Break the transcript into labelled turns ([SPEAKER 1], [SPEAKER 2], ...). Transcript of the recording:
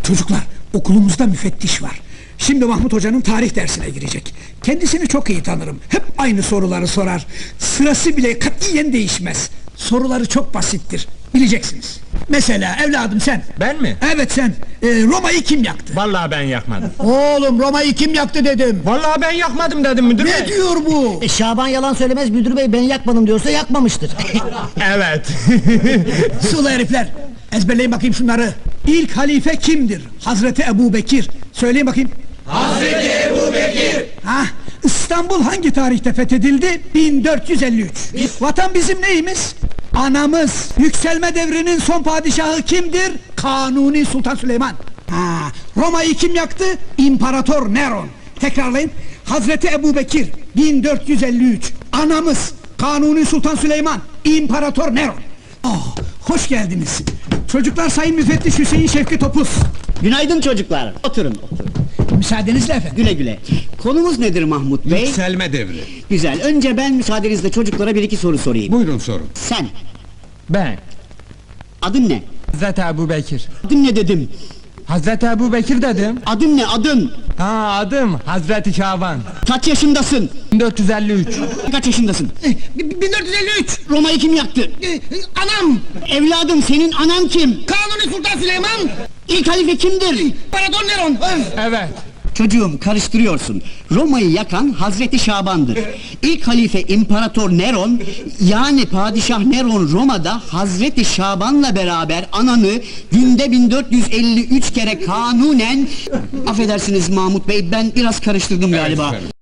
[SPEAKER 1] Çocuklar, okulumuzda müfettiş var. Şimdi Mahmut Hoca'nın tarih dersine girecek. Kendisini çok iyi tanırım. Hep aynı soruları sorar. Sırası bile katiyen değişmez. Soruları çok basittir. Bileceksiniz. Mesela evladım sen.
[SPEAKER 2] Ben mi?
[SPEAKER 1] Evet sen. Roma'yı kim yaktı?
[SPEAKER 2] Vallahi ben yakmadım.
[SPEAKER 1] Oğlum Roma'yı kim yaktı dedim.
[SPEAKER 2] Vallahi ben yakmadım dedim müdür bey.
[SPEAKER 1] Ne diyor bu?
[SPEAKER 3] Şaban yalan söylemez, müdür bey ben yakmadım diyorsa yakmamıştır.
[SPEAKER 2] Evet.
[SPEAKER 1] Sulu herifler. Ezberleyin bakayım şunları. İlk halife kimdir? Hazreti Ebubekir. Söyleyin bakayım.
[SPEAKER 4] Hazreti Ebubekir.
[SPEAKER 1] Ha, İstanbul hangi tarihte fethedildi? 1453. Vatan bizim neyimiz? Anamız. Yükselme devrinin son padişahı kimdir? Kanuni Sultan Süleyman. Ha, Roma'yı kim yaktı? İmparator Neron. Tekrarlayın. Hazreti Ebubekir 1453. Anamız Kanuni Sultan Süleyman. İmparator Neron. Oh, hoş geldiniz. Çocuklar, Sayın Müfettiş Hüseyin Şevki Topuz.
[SPEAKER 3] Günaydın çocuklar. Oturun, oturun.
[SPEAKER 1] Müsaadenizle efendim.
[SPEAKER 3] Güle güle. Konumuz nedir Mahmut bey?
[SPEAKER 4] Yükselme devri.
[SPEAKER 3] Güzel. Önce ben müsaadenizle çocuklara bir iki soru sorayım.
[SPEAKER 4] Buyurun sorun.
[SPEAKER 3] Sen,
[SPEAKER 2] Ben.
[SPEAKER 3] adın ne?
[SPEAKER 2] Hazreti Ebubekir.
[SPEAKER 3] Adın ne dedim?
[SPEAKER 2] Hazreti Ebubekir dedim.
[SPEAKER 3] Adın ne, adın?
[SPEAKER 2] Ha, adım Hazreti Şaban.
[SPEAKER 3] Kaç yaşındasın?
[SPEAKER 2] 1453.
[SPEAKER 3] Kaç yaşındasın?
[SPEAKER 1] 1453.
[SPEAKER 3] Roma'yı kim yaktı?
[SPEAKER 1] Anam
[SPEAKER 3] Evladım, senin anan kim?
[SPEAKER 1] Kanuni Sultan Süleyman.
[SPEAKER 3] İlk halife kimdir?
[SPEAKER 1] İmparator Neron.
[SPEAKER 2] Evet.
[SPEAKER 3] Çocuğum, karıştırıyorsun. Roma'yı yakan Hazreti Şaban'dır. İlk halife İmparator Neron, yani Padişah Neron Roma'da Hazreti Şaban'la beraber ananı günde 1453 kere kanunen... Affedersiniz Mahmut Bey, ben biraz karıştırdım galiba.